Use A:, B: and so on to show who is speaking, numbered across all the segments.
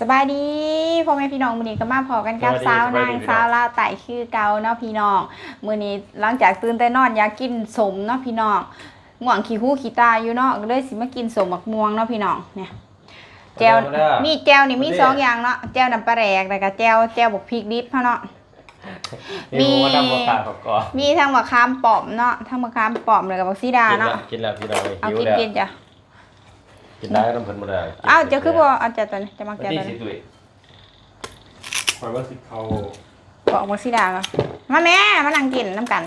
A: สบายดีพ่อแม่พี่น้องมื้อนี้ก็มาพอกันกับสาวนางสาวลาวไต่คือเก่าเนาะพี่น้องมื้อนี้หลังจากตื่นแต่นอนอยากกินสมเนาะพี่น้องง่วงขี้หู้ขี้ตาอยู่เนาะก็เลยสิมากินสมหมักม่วงเนาะพี่น้องเนี่ยแจ่วมีแจ่วนี่มี2อย่างเนาะแจ่วน้ำปลาแดกแล้วก็แจ่วบกพริกดิบเนาะมีทั้งมะขามป้อมเนาะทั้งมะขามป้อมแล้วก็บักซีดาเนาะ
B: กินแล้วพี่น้อง
A: เอากินจ้ะ
B: กินได้น้ำเพิ่นบ่ได้
A: อ้าวจะคือบ่เอาจะตัวนี้จะมักแจ่วตัวนี้
B: คอยว่าสิเขา
A: บอกบักซีดาก่อนมาแม่มานั่งกินน้ำกัน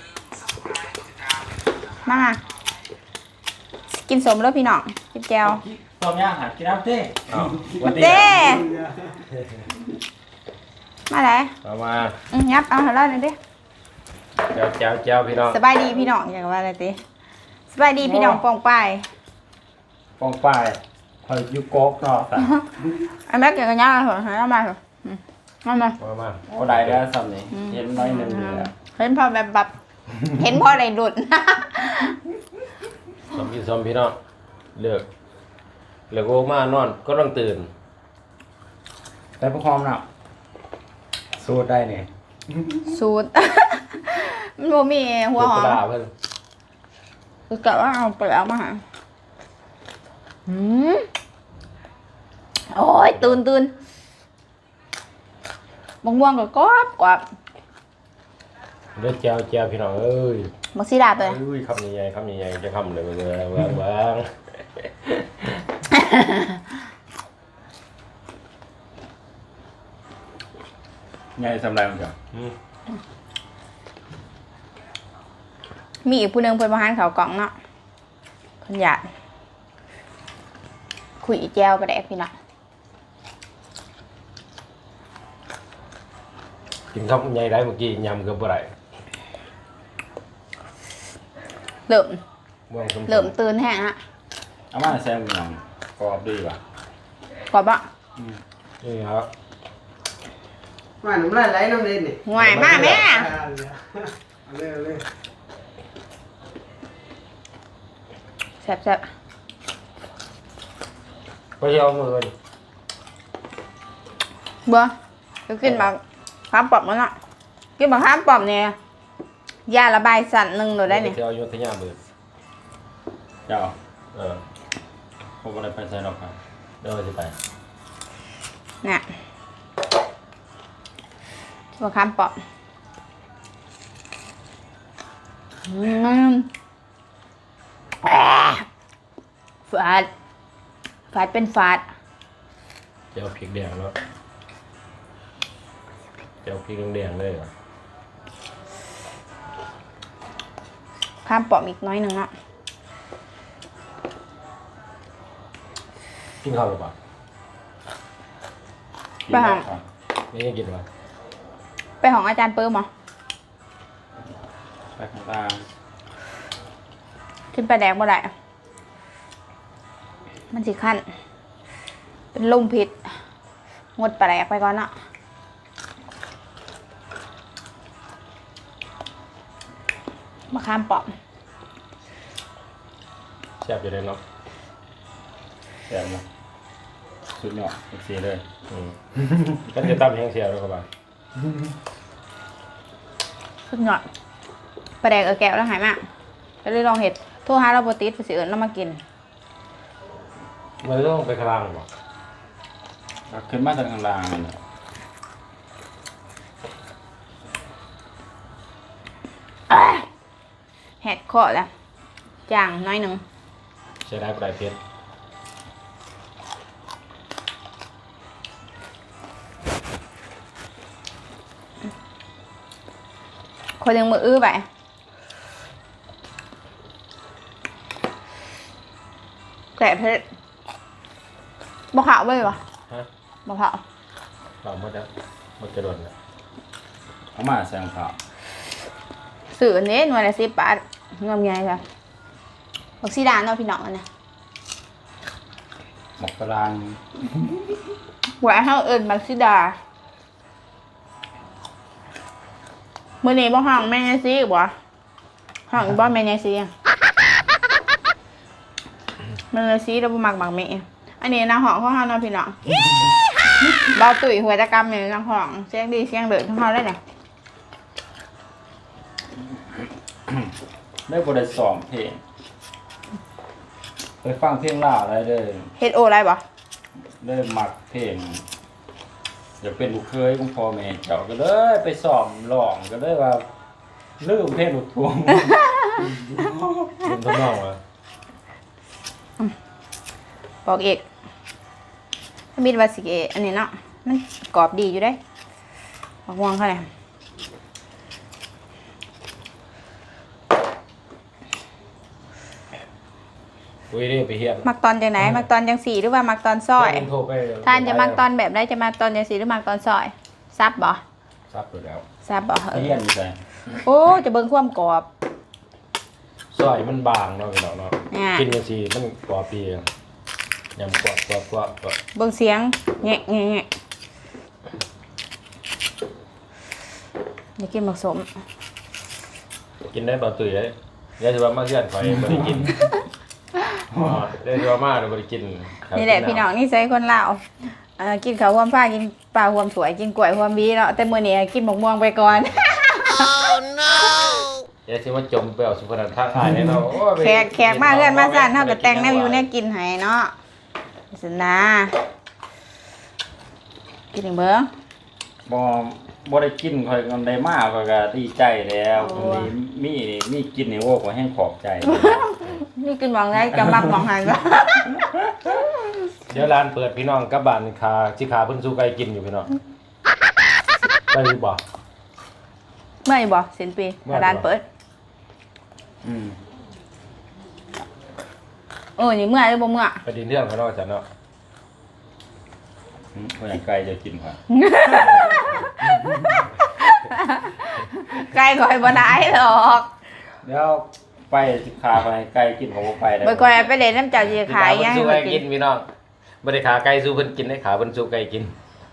A: มากินสมแล้วพี่น้องกินแจ่ว
C: ต้มย่างหัดกินน้ำเต้
A: เต้มาไหน
B: มา
A: งับเอาเท่าไรหน่อยดิ
B: แจ้วพี่น้อง
A: สบายดีพี่น้องอย่างว่าอะไรติสบายดีพี่น้องปองป้าย
C: คอยยุกโก๊กเนาะแต่
A: ไอ้แม็กเกี่ยวกับย่าเหรอหามาเหรอมา
C: ก็ได้แล้วสำนี้เห็นน้อยหนึ่งเลย
A: เห็นพอแบบเห็นพออะไรหลุด
B: สมพี่น้องเลือกโอ้มานอนก็ต้องตื่น
C: แต่พวกความหนักสูตรได้เนี่ย
A: สูตรมันบ่มีหัวหอมคือกะว่าเอาไปเอามาหาโอ้ยตื่นมะม่วงก็กรอบ
B: เลือกแจ้วพี่น้องเอ้ย
A: บักซีดาตัว
B: นี้คำใหญ่จะคำเลยวาง
C: ไงทำไรมันจ้ะ
A: มีอีกผู้นึงเป็นประธานเขากล่องเนาะคนอยากคุยแจวไปแดกพี่น้อง
B: กินคำใหญ่ได้เมื่อกี้ยำเกือบบ่ได้
A: เริ่มตื่นแห้งฮะ
C: เอามาแซมกันหน่อยกรอบดีป่ะ
A: กรอบอ่ะ
B: นี่ครับ
D: ว่าน้ำลายไหลน้ำเล่นนี่
A: ห่วยมากแม่
D: เลย
A: แซ่บ
B: ไปเอามือเลย
A: เบ้อจะกินแบบข้ามปอบมันอ่ะกินแบบข้ามปอบเนี่ยยาระบายสั่นหนึ่งหนูได้เนี่ย
B: เอาโยนทิ้งยาเบื่อ
C: เจ้าผมอะไรไปใส่หรอกครับ
B: เดี๋ยวจะไป
A: เนี่ยตัวข้ามปอบฝาดเป็นฝาด
B: เจียวพริกแดงแล้วเจียวพริกแดงเลยเหรอ
A: ข้ามปอบอีกน้อยหนึ่งอ่ะ
B: กินข้าวหรือเปล่า
A: ไปหา
B: ไม่กินหรอ
A: ไปของอาจารย์เปิ้มเหรอ
C: ไปของตา
A: ขึ้นไปแดกบ่ได้มันสิขั้นเป็นลมพิษงดไปแดกไปก่อนเนาะมาข้ามปอบ
B: แซ่บอยู่เลยเนาะ
C: แซ่บมั้ยสุดยอดเสียเลย
B: กันจะตั้มแห้งเสียเลยครับ
A: สุดยอดไปแดกแก้วแล้วหายมากก็เลยลองเห็ดโทรหาเราโบติสไปสิเอิญเรามากิน
B: มันต้องไปกลางหรอ
C: ขึ้นมาจากกลาง
A: แหกคอแล้วจางน้อยหนึ่ง
B: ใช้ได้ปลายเพชร
A: คนยังมืออื้อไปแต่เพชรบ่ขาวไปวะบ่ขาว
B: เราหมดแล้วหมดกระโดดแล้ว
C: เอามาแซงขาว
A: สื่ออันนี้หน่วยละ10 บาทเงินไงค่ะบักซีดาเนาะพี่น้องอันนี้
C: หมกกระลาง
A: หัวเฮาเอิญบักซีดามื้อนี้บ่ห้องแม่ยายซีบ่ห้องบ่แม่ยายซีแม่ยายซีเราบ่มักบักแม่อันนี้นะห้องของเฮาเนาะพี่น้องเบาตุ๋ยหัวตะกรรมเนี่ยนังห้องเสียงดีเสียงเดือดทั้งห้องได้เนี่ย
C: ได้บริซ้อมเพลงไปฟังเพลงล่าอะไรเด้อ
A: เฮ็ดโออะไรบ่
C: ได้มักเพลงอยากเป็นลูกเคยของพ่อแม่เจ้าก็เลยไปซ้อมร้องก็เลยว่าลืมเพลงลูกทุ่ง
B: เป็นทำนองอ่ะ
A: บอกเอกมีดวาสิเกอันนี้เนาะมันกรอบดีอยู่ได้บอกวางเขาเลย
B: อุ้ยนี่ไปเฮียน
A: มักตอนจังไหนมักตอนจังสี่หรือว่ามักตอนซอย
B: โทรไป
A: ท่านจะมักตอนแบบไหนจะมักตอนจังสี่หรือมักตอนซอยซับบ่
B: ซับอยู่แล้ว
A: ซับบ่
C: เรียนอยู่ไส
A: โอ้จะเบิ่งความกรอบ
B: ซอยมันบางเนาะพี่น้องเนาะ
A: อ่า
B: กินกันสิมันกรอบดียำกรอบกรอบกรอบกรอบ
A: เบิ่งเสียงแงะแงะแงะอยากกินหมักสม
B: กินได้บ่ตุ๋ยเลยเดี๋ยวสิว่ามาเฮือนข่อยบ่ได้กินอ๋อเดี๋ยวสิว่ามาเดี๋ยวบ่ได้กินครับ
A: นี่แหละพี่น้องนี่ใช้คนลาวกินข้าวหวมฟ้ากินปลาหวมสวยกินกล้วยหวมบีเนาะแต่มื้อนี้กินหมกม่วงไปก่อน
B: เดี๋ยวสิมาจมไปเอาสุพรรณทางอ้ายแน่เนาะโอ้ยไป
A: แขกมาเพื่อนมาสั่นเฮาก็แต่งแนวอยู่แนวกินให้เนาะสินะกินอีกเบิ่ง
C: บ่ได้กินข่อยกันได้มากข่อยก็ดีใจแล้วมีกินนี่โอ้ข่อยแห้งขอบใจ
A: นี่กินหมองได้จะมักหมองหันบ่
B: เดี๋ยวร้านเปิดพี่น้องกลับบ้านขาสิขาเพิ่นสู้ไก่กินอยู่พี่น้องไปอยู่บ่
A: เมื่ออยู่บ่สิ้นปีร้านเปิด
C: อืม
A: นี่เมื่อหรือบ่เมื่อ
B: ไปดินเรื่องเขาเนาะจ้ะเนาะ
C: คนอย่างไกลจะกินค่ะ
A: ไก่ก่อยบ่ได้หรอก
C: แล้วไปสิขาไปไกลกินของบ่ไปได้
A: บ่ก่อยไปเล่นน้ำเจ้าสิขาย
B: เพิ่
A: ยั
B: น
A: ง
B: สู้
A: ให้
B: ไก่
A: มัน
B: กิ
A: กิ
B: น
A: น
B: พี่น้องบ่ได้ขาไก่สู้เพิ่นกินได้ขาเพิ่นสู้ไก่กิน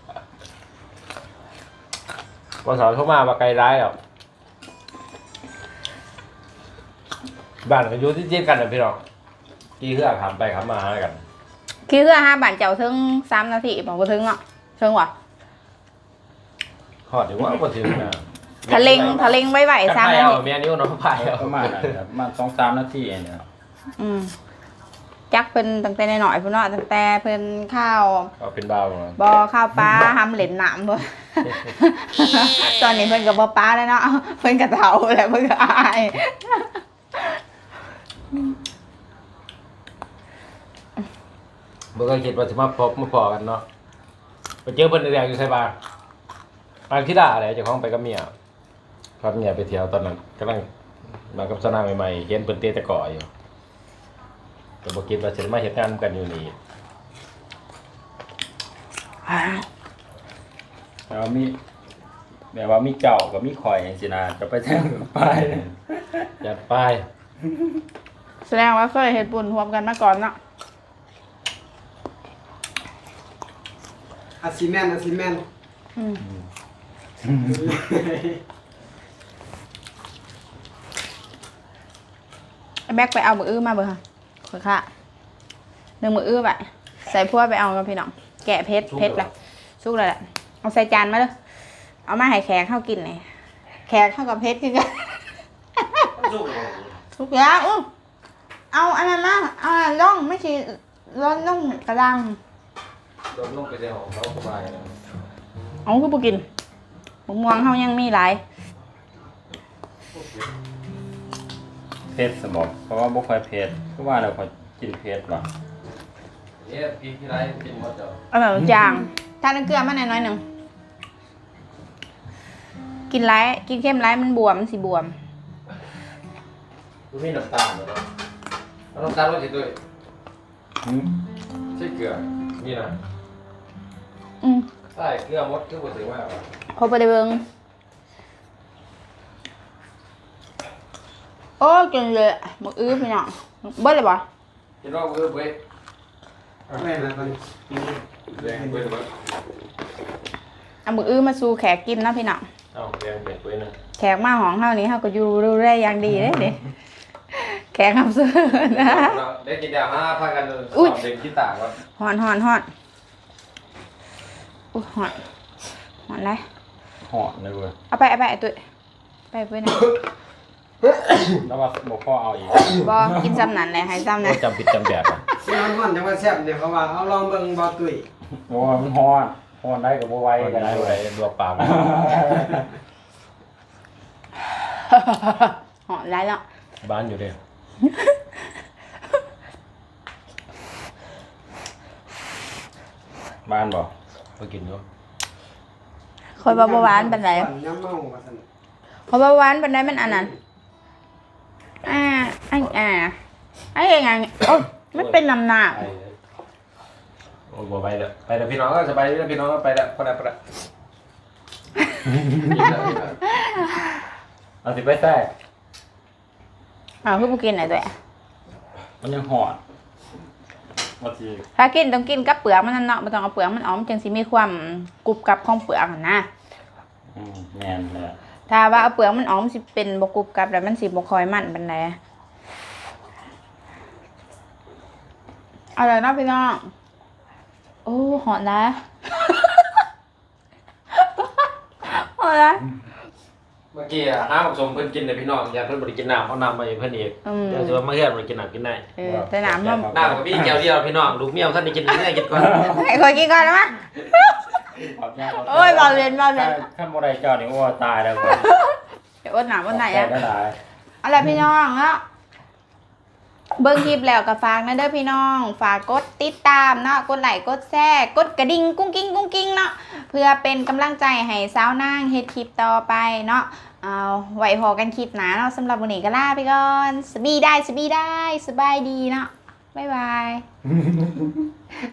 B: บ่สอนเข้ามาว่าไก่ร้ายหรอกบ้านก็อยู่ที่เจียกันน่ะพี่น้องกี่เฮือกขามไปขามมาหากัน
A: คือเพื่อหาบ้านเจ้าถึง3 นาทีบ่ถึงเนาะถึงว่ะ
B: ฮอดอยู่ว่าบ่ถึงนะ
A: ทะเล็งไว้ๆ3 นา
B: เอา
A: ที
B: แม่นิ้วน้องพายเอา
C: ประมาณนั้นครับประมาณ 2-3 นาทีเองเนี่ย
A: จักเพิ่นตั้งแต่น้อยๆพุ่นเนาะตั้งแต่เพิ่นข้าว
B: เอาเป็นบ่าวมา
A: บ่ข้าวปลาหำเหล่นน้ำบ่ ตอนนี้เพิ่นก็บ่ปลาแล้วเนาะเพิ่นก็เฒ่าแล้วเพิ่นก็อาย
B: บ่ก็คิดว่าสิมาพบมาพอกันเนาะไปเจอเพิ่นแรกๆอยู่ไสบ้างอันที่ด่าอะไรเจ้าของไปกับเมียพาเมียไปเที่ยวตอนนั้นกำลังมากับสนามใหม่ๆเห็นเพิ่นเตะตะกร้ออยู่ก็บ่คิดว่าสิมาเฮ็ดงานกันอยู่นี่
C: แล้วมีแบบว่ามีเจ้ากับมีข่อยจังซี่นะจะไปแท่งไป
B: ยัดไป
A: แสดงว่าเคยเฮ็ดบุญร่วมกันมาก่อนเนาะ
D: อาซิแมนอาซิแมน
A: ไอ้แบกไปเอามืออื้อมาเบิ่งค่ะขอค่ะ1มืออื้อไปใส่พวกไปเอากับพี่น้องแกะเพชรเลยสุกเลยแหละเอาใส่จานมาเด้อเอามาให้แขกเข้ากินเลยแขกเข้ากับเพชรคือกัน ทุกอย่างเอาอันนั้นมาเอาอันนั้นล่องไม่ใช่ร้อนล่องกระดัง
B: โดนลงไปในห้องเราสบายนะ
A: เอาคือบ่กินมะม่วงเฮายังมีหลาย
C: เผ็ดสมองเพราะว่าบ่ค่อยเผ็ดเพราะว่าเราค่อยกินเผ็ดว่ะ
B: พี่ที่ไรกินหมดเจ้า
A: เอาแบบจางทานน้ำเกลือมาหน่อยหนึงกินหลายกินเข้มหลายมันบวมมันสิบวม
B: คุณมีน้ำตาลเหรอเอาน้ำตาลไว้สิด้วย
C: หืม
B: ใช่เกลือนี่นะ ใช่เกลือมดคือบ่ถือว่า
A: พอไปได้เบิ่งโอ้ยกินเลยมื้ออื้อพี่น้องเบิดเลยบ่
B: กินว่าเว้ยเว้ย
D: แม่นแล้วกัน
B: แดงเว้ยเว้ย
A: เอามื้ออื้อมาสู่แขกกินนะพี่น้อง
B: เอ้าแดงเบ็ดเว้ยนะ
A: แขกมาห้องเฮานี่เฮาก็อยู่ดูแลอย่างดีเด้เด้แขกคำซื้อนะ
B: ได้กินยามาพากัน
A: อุ๊ย
B: สอบเด็กที่ต่างวะ
A: ฮ้อนอุ้ยหอนหอนเลย
C: หอนเลยเว้ย
A: เอาไปไอ้ตุ้ยไปเพื่อนนะ
C: แล้วว่าบ่พ่อเอาอีก
A: บอกินซ้ำนั่นเลยให้ซ้ำ
B: โอ้
A: นะ
B: จำผิดจำแบบอะ
D: ที่มันฮ้อนจังว่าแซ่บเนี่ยเขาว่าเอาลองเบิ่งบ่ตุ้ย
C: โอ้มันหอนหอนได้กับบ่ไหว
B: ไป
C: กัน
B: ได้
C: ได้
B: ไป
C: เว้ย
B: ลวกปลาไป
A: หอนไรแล้ว
B: บ้านอยู่ดิ
C: บ้านบ่
B: ไปกินอยู่
A: คอยเบาหวานเป็นไร
D: น้ำเมาว่าซั่น
A: คอยเบาหวานเป็นไรมันอันนั้นไอ้ยังไงโอ้ยไม่เป็นน้ำหนัก
B: ไปโอ้บ่ไปแล้วไปแล้วพี่น้องก็สบายดีแล้วพี่น้องก็ไปแล้วพอแล้ว
C: เอาสิไปแท้
A: เอาคือพวกกินไหนตัว
C: มันยังหอนว่าสิ
A: ถ้ากินต้องกินกับเปลือกมันนั่นเนาะไม่ต้องเอาเปลือกมันออกมันจึงสิมีความกรุบกรับของเปลือกหั่นนะ
C: แม่นเลย
A: ถ้าว่าเอาเปลือกมันออกมันสิเป็นบกรุบกรับแล้วมันสิบกคอยมันเป็นไรอะไรนะพี่น้องโอ้หอนนะ หอนนะ
B: เมื่อกี้ห้าผสมเพิ่นกินเลยพี่น้องอย่าเพิ่นบ่ได้กินน้ำเอาน้ำมาให้เพิ่นอีกเดี๋ยวสิว่ามาเฮือนบ่ได้กินน้ำกินได้
A: แต่น้ำมัน
B: น้ำกับพี่แก้วเดียวพี่น้องลูกเมียวท่านได้กินเนื้อกินก่อน
A: ให้คอยกินก่อนนะมั้ยโอ้ยเบาเรียน
C: ขั้นบ่ได้เจ้านี่โอ้ตายแล้วบ่
A: เดี๋ยวอดหนามอดไหน
C: แต
A: อ่ะ
C: กได้หลาย
A: อะไรพี่น้องเนาะเบิ่งคลิปแล้วก็ฝากนะเด้อพี่น้องฝากกดติดตามเนาะกดไลค์กดแชร์กดกระดิ่งกุ้งกิ้งเนาะเพื่อเป็นกำลังใจให้สาวนางเฮ็ดคลิปต่อไปเนาะเอาไว้พอกันคลิปหน้าเนาะสำหรับวันนี้ก็ลาไปก่อนสบายดีเนาะบ๊ายบาย